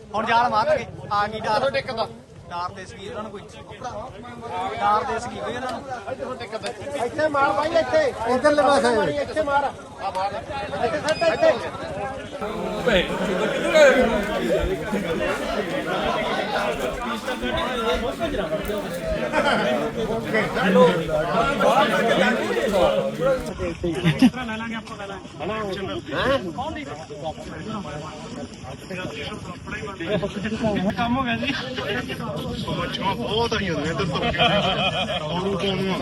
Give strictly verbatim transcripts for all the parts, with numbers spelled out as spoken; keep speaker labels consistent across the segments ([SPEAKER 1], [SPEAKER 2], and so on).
[SPEAKER 1] ਹੁਣ ਜਾਲ ਮਾਰਾਂਗੇ ਆ ਗਈ ਡਾਰ ਟਿਕਦਾ ਡਾਰ ਦੇ ਸਕੀ ਇਹਨਾਂ ਨੂੰ ਕੋਈ ਡਾਰ ਦੇ ਸਕੀ ਕੋਈ ਇਹਨਾਂ ਨੂੰ ਇੱਥੇ ਮਾਰ ਭਾਈ ਇੱਥੇ ਇਧਰਲੇ ਪਾਸੇ ਇੱਥੇ ਮਾਰ ਆ ਮਾਰ ਇੱਥੇ ਸੱਟ ਇੱਥੇ ਕੰਮ ਹੋ ਗਿਆ ਜੀ ਬਹੁਤ ਆਈਆਂ ਨੇ ਇੱਧਰ ਤੋਂ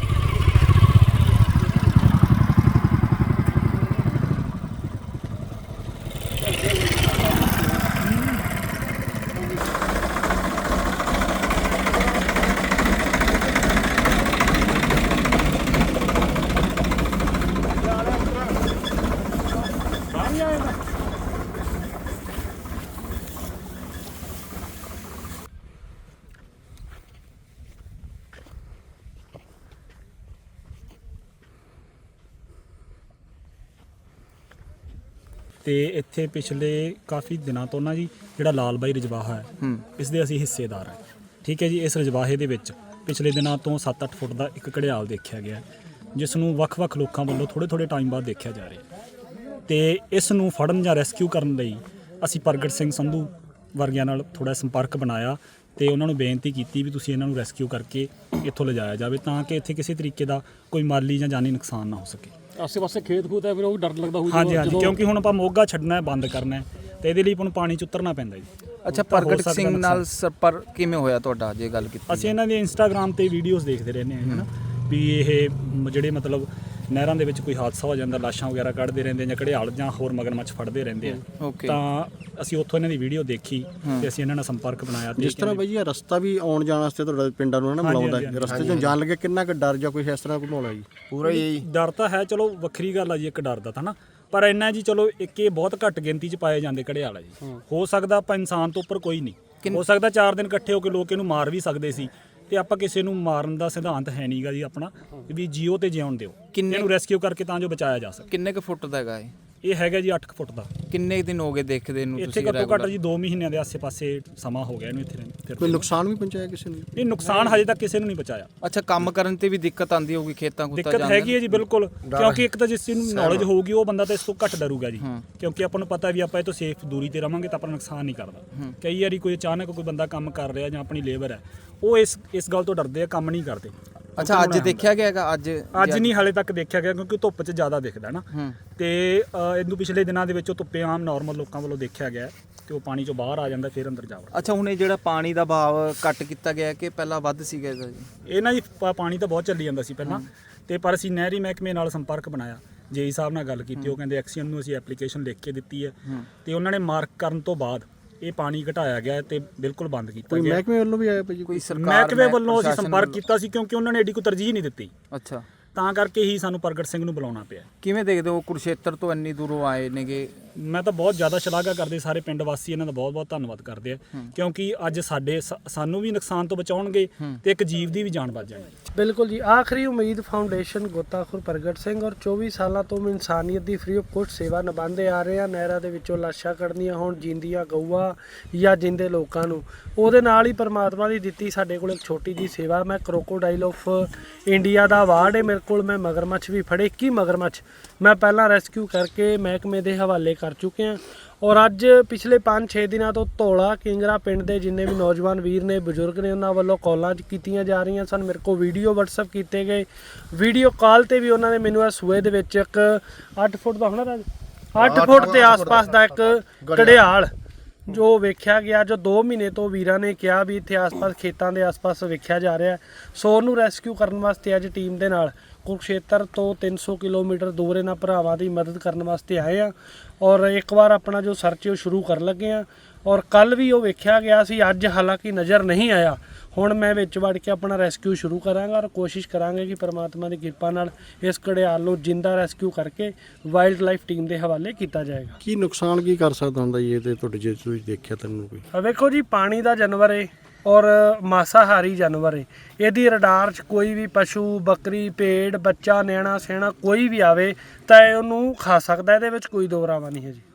[SPEAKER 2] ਤੇ ਇੱਥੇ ਪਿਛਲੇ ਕਾਫੀ ਦਿਨਾਂ ਤੋਂ ਨਾ ਜੀ ਜਿਹੜਾ ਲਾਲ ਬਾਈ ਰਜਵਾਹਾ ਹੈ ਇਸ ਦੇ ਅਸੀਂ ਹਿੱਸੇਦਾਰ ਹਾਂ। ਠੀਕ ਹੈ ਜੀ। ਇਸ ਰਜਵਾਹੇ ਦੇ ਵਿੱਚ ਪਿਛਲੇ ਦਿਨਾਂ ਤੋਂ ਸੱਤ ਅੱਠ ਫੁੱਟ ਦਾ ਇੱਕ ਘੜਿਆਲ ਦੇਖਿਆ ਗਿਆ ਜਿਸ ਨੂੰ ਵੱਖ-ਵੱਖ ਲੋਕਾਂ ਵੱਲੋਂ ਥੋੜ੍ਹੇ ਥੋੜ੍ਹੇ ਟਾਈਮ ਬਾਅਦ ਦੇਖਿਆ ਜਾ ਰਿਹਾ ਤੇ ਇਸ ਨੂੰ ਫੜਨ ਜਾਂ ਰੈਸਕਿਊ ਕਰਨ ਲਈ ਅਸੀਂ ਪ੍ਰਗਟ ਸਿੰਘ ਸੰਧੂ ਵਰਗਿਆਂ ਨਾਲ ਥੋੜ੍ਹਾ ਸੰਪਰਕ ਬਣਾਇਆ ਤੇ ਉਹਨਾਂ ਨੂੰ ਬੇਨਤੀ ਕੀਤੀ ਵੀ ਤੁਸੀਂ ਇਹਨਾਂ ਨੂੰ ਰੈਸਕਿਊ ਕਰਕੇ ਇੱਥੋਂ ਲਿਜਾਇਆ ਜਾਵੇ ਤਾਂ ਕਿ ਇੱਥੇ ਕਿਸੇ ਤਰੀਕੇ ਦਾ ਕੋਈ ਮਾਲੀ ਜਾਂ ਜਾਨੀ ਨੁਕਸਾਨ ਨਾ ਹੋ ਸਕੇ।
[SPEAKER 3] ਆਸੇ ਪਾਸੇ ਖੇਤ ਖੂਤ ਹੈ ਫਿਰ ਉਹ ਡਰ ਲੱਗਦਾ ਹੋਊ।
[SPEAKER 2] ਹਾਂਜੀ ਹਾਂਜੀ ਕਿਉਂਕਿ ਹੁਣ ਆਪਾਂ ਮੋਗਾ ਛੱਡਣਾ ਹੈ ਬੰਦ ਕਰਨਾ ਹੈ ਤੇ ਇਹਦੇ ਲਈ ਆਪਾਂ ਨੂੰ ਪਾਣੀ ਚ ਉਤਰਨਾ ਪੈਂਦਾ ਜੀ।
[SPEAKER 4] ਅੱਛਾ, ਪ੍ਰਗਟ ਸਿੰਘ ਨਾਲ ਸੰਪਰਕ ਕਿਵੇਂ ਹੋਇਆ ਤੁਹਾਡਾ ਜੇ ਗੱਲ ਕੀਤੀ?
[SPEAKER 2] ਅਸੀਂ ਇਹਨਾਂ ਦੀ ਇੰਸਟਾਗ੍ਰਾਮ ਤੇ ਵੀਡੀਓਜ਼ ਦੇਖਦੇ ਰਹਿੰਦੇ ਹਾਂ ਹਨਾ ਵੀ ਇਹ ਜਿਹੜੇ ਮਤਲਬ ਨਹਿਰਾਂ ਦੇ ਵਿੱਚ ਕੋਈ ਹਾਦਸਾ ਹੋ ਜਾਂਦਾ ਲਾਸ਼ਾਂ ਵਗੈਰਾ ਕੱਢਦੇ ਰਹਿੰਦੇ ਜਾਂ ਘੜਿਆਲ ਜਾਂ ਹੋਰ ਮਗਰਮੱਛ ਫੜਦੇ ਰਹਿੰਦੇ ਆ ਤਾਂ ਅਸੀਂ ਉੱਥੋਂ ਇਹਨਾਂ ਦੀ ਵੀਡੀਓ ਦੇਖੀ ਤੇ ਅਸੀਂ ਇਹਨਾਂ ਨਾਲ ਸੰਪਰਕ ਬਣਾਇਆ।
[SPEAKER 1] ਜਿਸ ਤਰ੍ਹਾਂ ਬਾਈ ਇਹ ਰਸਤਾ ਵੀ ਆਉਣ ਜਾਣ ਵਾਸਤੇ ਤੁਹਾਡੇ ਪਿੰਡਾਂ ਨੂੰ ਨਾ ਮਿਲਾਉਂਦਾ ਰਸਤੇ 'ਚੋਂ ਜਾਣ ਲੱਗੇ ਕਿੰਨਾ ਕੁ ਡਰ ਜਾਂ ਕੋਈ ਇਸ ਤਰ੍ਹਾਂ ਘੁਮਾਉਣਾ ਜੀ?
[SPEAKER 2] ਪੂਰਾ ਹੀ ਡਰ ਤਾਂ ਹੈ, ਚਲੋ ਵੱਖਰੀ ਗੱਲ ਆ ਜੀ ਇੱਕ ਡਰ ਦਾ ਤਾਂ ਨਾ, ਪਰ ਇੰਨਾ ਜੀ ਚਲੋ ਇੱਕ ਇਹ ਬਹੁਤ ਘੱਟ ਗਿਣਤੀ 'ਚ ਪਾਏ ਜਾਂਦੇ ਘੜਿਆਲ ਆ ਜੀ। ਹੋ ਸਕਦਾ ਆਪਾਂ ਇਨਸਾਨ ਤੋਂ ਉੱਪਰ ਕੋਈ ਨਹੀਂ ਹੋ ਸਕਦਾ, ਚਾਰ ਦਿਨ ਇਕੱਠੇ ਹੋ ਕੇ ਲੋਕ ਇਹਨੂੰ ਮਾਰ ਵੀ ਸਕਦੇ ਸੀ ਤੇ ਆਪਾਂ ਕਿਸੇ ਨੂੰ ਮਾਰਨ ਦਾ ਸਿਧਾਂਤ ਹੈ ਨਹੀਂਗਾ ਜੀ ਆਪਣਾ ਵੀ ਜੀਓ ਤੇ ਜਿਉਣ ਦਿਓ, ਇਹਨੂੰ ਰੈਸਕਿਊ ਕਰਕੇ ਤਾਂ ਜੋ ਬਚਾਇਆ ਜਾ ਸਕੇ।
[SPEAKER 4] ਕਿੰਨੇ ਕੁ ਫੁੱਟ ਦਾ ਹੈਗਾ ਇਹ?
[SPEAKER 2] ਇਹ ਹੈਗਾ ਜੀ ਅੱਠ ਫੁੱਟ ਦਾ।
[SPEAKER 4] ਕਿੰਨੇ ਦਿਨ ਹੋ ਗਏ ਦੇਖਦੇ ਨੂੰ
[SPEAKER 2] ਤੁਸੀਂ? ਇੱਥੇ ਘੱਟੋ ਘੱਟ ਜੀ ਦੋ ਮਹੀਨਿਆਂ ਦੇ ਆਸੇ-ਪਾਸੇ ਸਮਾਂ ਹੋ ਗਿਆ ਇਹਨੂੰ ਇੱਥੇ।
[SPEAKER 1] ਕੋਈ ਨੁਕਸਾਨ ਵੀ ਪਹੁੰਚਾਇਆ ਕਿਸੇ ਨੂੰ?
[SPEAKER 2] ਨਹੀਂ, ਨੁਕਸਾਨ ਹਜੇ ਤੱਕ ਕਿਸੇ ਨੂੰ ਨਹੀਂ ਪਹੁੰਚਾਇਆ।
[SPEAKER 4] ਅੱਛਾ, ਕੰਮ ਕਰਨ ਤੇ ਵੀ ਦਿੱਕਤ ਆਉਂਦੀ ਹੋਊਗੀ ਖੇਤਾਂ ਖੂਤਾਂ
[SPEAKER 2] ਦਿੱਕਤ ਹੈਗੀ ਹੈ ਜੀ ਬਿਲਕੁਲ, ਕਿਉਂਕਿ ਇੱਕ ਤਾਂ ਜਿਸ ਚੀਜ਼ ਨੂੰ ਨੌਲੇਜ ਹੋਊਗੀ ਉਹ ਬੰਦਾ ਤਾਂ ਇਸ ਤੋਂ ਘੱਟ ਡਰੂਗਾ ਜੀ, ਕਿਉਂਕਿ ਆਪਾਂ ਨੂੰ ਪਤਾ ਵੀ ਆਪਾਂ ਇਹ ਤੋਂ ਸੇਫ ਦੂਰੀ ਤੇ ਰਵਾਂਗੇ ਤਾਂ ਆਪਾਂ ਨੁਕਸਾਨ ਨਹੀਂ ਕਰਦਾ। ਕਈ ਵਾਰੀ ਕੋਈ ਅਚਾਨਕ ਕੋਈ ਬੰਦਾ ਕੰਮ ਕਰ ਰਿਹਾ ਜਾਂ ਆਪਣੀ ਲੇਬਰ ਹੈ ਉਹ ਇਸ ਇਸ ਗੱਲ ਤੋਂ ਡਰਦੇ ਆ, ਕੰਮ ਨਹੀਂ ਕਰਦੇ।
[SPEAKER 4] ਅੱਛਾ, ਅੱਜ ਦੇਖਿਆ ਗਿਆ ਹੈਗਾ? ਅੱਜ
[SPEAKER 2] ਅੱਜ ਨਹੀਂ ਹਾਲੇ ਤੱਕ ਦੇਖਿਆ ਗਿਆ ਕਿਉਂਕਿ ਧੁੱਪ 'ਚ ਜ਼ਿਆਦਾ ਦਿਖਦਾ ਨਾ ਤੇ ਇਹਨੂੰ ਪਿਛਲੇ ਦਿਨਾਂ ਦੇ ਵਿੱਚ ਉਹ ਧੁੱਪੇ ਆਮ ਨਾਰਮਲ ਲੋਕਾਂ ਵੱਲੋਂ ਦੇਖਿਆ ਗਿਆ ਤੇ ਉਹ ਪਾਣੀ 'ਚੋਂ ਬਾਹਰ ਆ ਜਾਂਦਾ ਫਿਰ ਅੰਦਰ ਜਾ ਵੜਦਾ।
[SPEAKER 4] ਅੱਛਾ, ਹੁਣ ਇਹ ਜਿਹੜਾ ਪਾਣੀ ਦਾ ਬਹਾਵ ਘੱਟ ਕੀਤਾ ਗਿਆ ਕਿ ਪਹਿਲਾਂ ਵੱਧ ਸੀਗਾ ਇਹਦਾ ਜੀ?
[SPEAKER 2] ਇਹ ਨਾ ਜੀ ਪਾਣੀ ਤਾਂ ਬਹੁਤ ਚੱਲੀ ਜਾਂਦਾ ਸੀ ਪਹਿਲਾਂ ਤੇ ਪਰ ਅਸੀਂ ਨਹਿਰੀ ਮਹਿਕਮੇ ਨਾਲ ਸੰਪਰਕ ਬਣਾਇਆ, ਜੇਈ ਸਾਹਿਬ ਨਾਲ ਗੱਲ ਕੀਤੀ, ਉਹ ਕਹਿੰਦੇ ਐਕਸੀਅਨ ਨੂੰ ਅਸੀਂ ਐਪਲੀਕੇਸ਼ਨ ਲਿਖ ਕੇ ਦਿੱਤੀ ਹੈ ਤੇ ਉਹਨਾਂ ਨੇ ਮਾਰਕ ਕਰਨ ਤੋਂ ਬਾਅਦ ਇਹ ਪਾਣੀ ਘਟਾਇਆ ਗਿਆ ਤੇ ਬਿਲਕੁਲ ਬੰਦ ਕੀਤਾ ਗਿਆ।
[SPEAKER 1] ਮਹਿਕਮੇ ਵੱਲੋਂ ਵੀ ਆਇਆ ਭਾਜੀ?
[SPEAKER 4] ਕੋਈ ਸਰਕਾਰ
[SPEAKER 2] ਮਹਿਕਮੇ ਵੱਲੋਂ ਅਸੀਂ ਸੰਪਰਕ ਕੀਤਾ ਸੀ ਕਿਉਂਕਿ ਉਹਨਾਂ ਨੇ ਐਡੀ ਕੋਈ ਤਰਜੀਹ ਨਹੀਂ ਦਿੱਤੀ।
[SPEAKER 4] ਅੱਛਾ,
[SPEAKER 2] ਤਾਂ ਕਰਕੇ ਹੀ ਸਾਨੂੰ ਪ੍ਰਗਟ ਸਿੰਘ ਨੂੰ ਬੁਲਾਉਣਾ ਪਿਆ।
[SPEAKER 4] ਕਿਵੇਂ ਦੇਖਦੇ ਹੋ ਕੁਰੂਕਸ਼ੇਤਰ ਤੋਂ ਇੰਨੀ ਦੂਰੋਂ ਆਏ ਨੇਗੇ?
[SPEAKER 2] ਮੈਂ ਤਾਂ ਬਹੁਤ ਜ਼ਿਆਦਾ ਸ਼ਲਾਘਾ ਕਰਦੇ, ਸਾਰੇ ਪਿੰਡ ਵਾਸੀ ਇਹਨਾਂ ਦਾ ਬਹੁਤ ਬਹੁਤ ਧੰਨਵਾਦ ਕਰਦੇ ਆ ਕਿਉਂਕਿ ਅੱਜ ਸਾਡੇ ਸਾਨੂੰ ਵੀ ਨੁਕਸਾਨ ਤੋਂ ਬਚਾਉਣਗੇ ਤੇ ਇੱਕ ਜੀਵ ਦੀ ਵੀ ਜਾਨ ਬਚ ਜਾਣੀ।
[SPEAKER 5] ਬਿਲਕੁਲ ਜੀ। ਆਖਰੀ ਉਮੀਦ ਫਾਊਂਡੇਸ਼ਨ ਗੋਤਾਖੋਰ ਪ੍ਰਗਟ ਸਿੰਘ ਔਰ ਚੌਵੀ ਸਾਲਾਂ ਤੋਂ ਇਨਸਾਨੀਅਤ ਦੀ ਫ੍ਰੀ ਆਫ ਕੋਸਟ ਸੇਵਾ ਨਿਭਾਉਂਦੇ ਆ ਰਹੇ ਆ। ਨਹਿਰਾਂ ਦੇ ਵਿੱਚੋਂ ਲਾਸ਼ਾਂ ਕੱਢਣੀਆਂ ਹੋਣ, ਜਿੰਦੀਆਂ ਗਊਆਂ ਜਾਂ ਜਿੰਦੇ ਲੋਕਾਂ ਨੂੰ, ਉਹਦੇ ਨਾਲ ਹੀ ਪਰਮਾਤਮਾ ਦੀ ਦਿੱਤੀ ਸਾਡੇ ਕੋਲ ਇੱਕ ਛੋਟੀ ਜੀ ਸੇਵਾ। ਮੈਂ ਕਰੋਕੋਡਾਈਲ ਆਫ ਇੰਡੀਆ ਦਾ ਅਵਾਰਡ ਹੈ ਮੇਰੇ ਕੋਲ। ਮੈਂ ਮਗਰਮੱਛ ਵੀ ਫੜੇ, ਇੱਕੀ ਮਗਰਮੱਛ ਮੈਂ ਪਹਿਲਾਂ ਰੈਸਕਿਊ ਕਰਕੇ ਮਹਿਕਮੇ ਦੇ ਹਵਾਲੇ ਕਰ ਚੁੱਕੇ ਹਾਂ ਔਰ ਅੱਜ ਪਿਛਲੇ ਪੰਜ ਛੇ ਦਿਨਾਂ ਤੋਂ ਧੌਲਾ ਕਿੰਗਰਾ ਪਿੰਡ ਦੇ ਜਿੰਨੇ ਵੀ ਨੌਜਵਾਨ ਵੀਰ ਨੇ, ਬਜ਼ੁਰਗ ਨੇ, ਉਹਨਾਂ ਵੱਲੋਂ ਕਾਲਾਂ ਕੀਤੀਆਂ ਜਾ ਰਹੀਆਂ ਸਨ। ਮੇਰੇ ਕੋਲ ਵੀਡੀਓ ਵਟਸਐਪ ਕੀਤੇ ਗਏ, ਵੀਡੀਓ ਕਾਲ ਤੇ ਵੀ ਉਹਨਾਂ ਨੇ ਮੈਨੂੰ ਇਹ ਸੂਏ ਦੇ ਵਿੱਚ ਇੱਕ ਅੱਠ ਫੁੱਟ ਦਾ ਹੋਣਾ ਅੱਠ ਫੁੱਟ ਦੇ ਆਸ-ਪਾਸ ਦਾ ਇੱਕ ਘੜਿਆਲ ਜੋ ਵੇਖਿਆ ਗਿਆ, ਜੋ ਦੋ ਮਹੀਨੇ ਤੋਂ ਵੀਰਾਂ ਨੇ ਕਿਹਾ ਵੀ ਇੱਥੇ ਆਸ-ਪਾਸ ਖੇਤਾਂ ਦੇ ਆਸ-ਪਾਸ ਵੇਖਿਆ ਜਾ ਰਿਹਾ। ਸੋ ਉਹਨੂੰ ਰੈਸਕਿਊ ਕਰਨ ਵਾਸਤੇ ਅੱਜ ਟੀਮ ਦੇ ਨਾਲ ਕੁਰੂਕਸ਼ੇਤਰ ਤੋਂ ਤਿੰਨ ਸੌ ਕਿਲੋਮੀਟਰ ਦੂਰ ਇਹਨਾਂ ਭਰਾਵਾਂ ਦੀ ਮਦਦ ਕਰਨ ਵਾਸਤੇ ਆਏ ਆ ਔਰ ਇੱਕ ਵਾਰ ਆਪਣਾ ਜੋ ਸਰਚ ਉਹ ਸ਼ੁਰੂ ਕਰਨ ਲੱਗੇ ਆ ਔਰ ਕੱਲ੍ਹ ਵੀ ਉਹ ਵੇਖਿਆ ਗਿਆ ਸੀ, ਅੱਜ ਹਾਲਾਂਕਿ ਨਜ਼ਰ ਨਹੀਂ ਆਇਆ। ਹੁਣ ਮੈਂ ਵਿੱਚ ਵੜ ਕੇ ਆਪਣਾ ਰੈਸਕਿਊ ਸ਼ੁਰੂ ਕਰਾਂਗਾ ਔਰ ਕੋਸ਼ਿਸ਼ ਕਰਾਂਗੇ ਕਿ ਪਰਮਾਤਮਾ ਦੀ ਕਿਰਪਾ ਨਾਲ ਇਸ ਘੜਿਆਲ ਨੂੰ ਜਿੰਦਾ ਰੈਸਕਿਊ ਕਰਕੇ ਵਾਈਲਡ ਲਾਈਫ ਟੀਮ ਦੇ ਹਵਾਲੇ ਕੀਤਾ ਜਾਏਗਾ।
[SPEAKER 1] ਕੀ ਨੁਕਸਾਨ ਕੀ ਕਰ ਸਕਦਾ ਹੁੰਦਾ ਜੀ ਇਹ ਤੇ ਤੁਹਾਡੇ ਜੇ ਤੁਸੀਂ ਦੇਖਿਆ ਤੈਨੂੰ ਕੋਈ?
[SPEAKER 5] ਵੇਖੋ ਜੀ, ਪਾਣੀ ਦਾ ਜਾਨਵਰ ਹੈ ਔਰ ਮਾਸਾਹਾਰੀ ਜਾਨਵਰ ਹੈ। ਇਹਦੀ ਰਡਾਰ 'ਚ ਕੋਈ ਵੀ ਪਸ਼ੂ, ਬੱਕਰੀ, ਭੇਡ, ਬੱਚਾ, ਨਿਆਣਾ ਸਿਆਣਾ ਕੋਈ ਵੀ ਆਵੇ ਤਾਂ ਇਹ ਉਹਨੂੰ ਖਾ ਸਕਦਾ, ਇਹਦੇ ਵਿੱਚ ਕੋਈ ਦੋ ਰਾਵਾਂ ਨਹੀਂ ਹੈ ਜੀ।